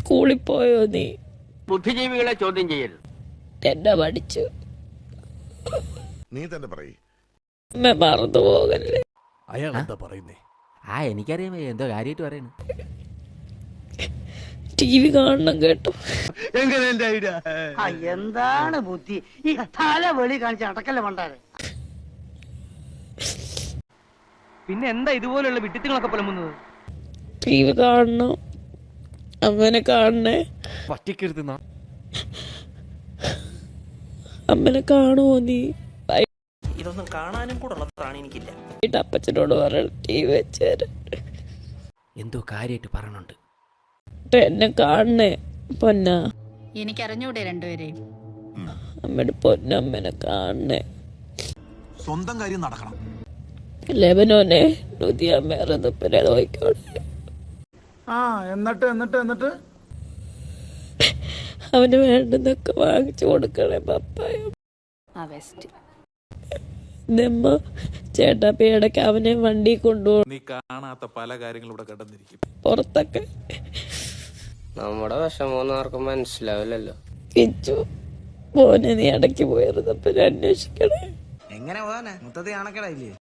സ്കൂളിൽ പോയോ നീ? ബുദ്ധിജീവികളെ ചോദ്യം ചെയ്യരുത്. എന്നെ പഠിച്ചു. നീ തന്നെ പറയ്. മറന്നു പോകല്ലേ. അയാൾ എന്താ പറയുന്നേ? എനിക്കറിയാം എന്തോ കാര്യമായിട്ട് പറയണ. TV കാണണം കേട്ടോ. എന്താണ് ബുദ്ധി ഈ തല വെളി കാണിച്ച് അടക്കല്ലേ പണ്ടാരെ. പിന്നെ എന്താ ഇതുപോലുള്ള വിട്ടിത്തുകളൊക്കെ പുലമ്പുന്നത്? TV കാണണം, അമ്മനെ കാണണേ. പറ്റിക്കരുത്. അമ്മനെ കാണുമോ നീ? ഇതൊന്നും കാണാനും കൂടെ ഉള്ളതാണ് എനിക്കില്ല. അപ്പച്ചനോട് പറയണം TV വെച്ച് തരാൻ. എന്തോ കാര്യമായിട്ട് പറയണുണ്ട്. എന്നെ കാണണേ പൊന്ന. എനിക്കറിഞ്ഞൂടെ രണ്ടുപേരെയും. അമ്മയുടെ പൊന്നമ്മനെ കാണണേ. സ്വന്തം കാര്യം നടക്കണം. ലെബനോനെ നുതിയമ്മേറെ തുപ്പിനെ നോക്കിക്കോട്ടെ. എന്നിട്ട് അവന് വേണ്ടുന്നൊക്കെ വാങ്ങിച്ചു കൊടുക്കണേ പപ്പായ. നമ്മ ചേട്ടാപ്പി ഇടയ്ക്ക് അവനെ വണ്ടി കൊണ്ടുപോകും. നീ കാണാത്ത പല കാര്യങ്ങളും ഇവിടെ കടന്നിരിക്കും പുറത്തൊക്കെ. നമ്മുടെ വിഷമമൊന്നും ആർക്കും മനസ്സിലാവില്ലല്ലോ. കിച്ചു മോനെ നീ ഇടയ്ക്ക് പോയിരുന്നപ്പോ അന്വേഷിക്കണേ. എങ്ങനെ പോകാനാ? മൊത്തത്തിൽ കാണക്കടയില്ലേ?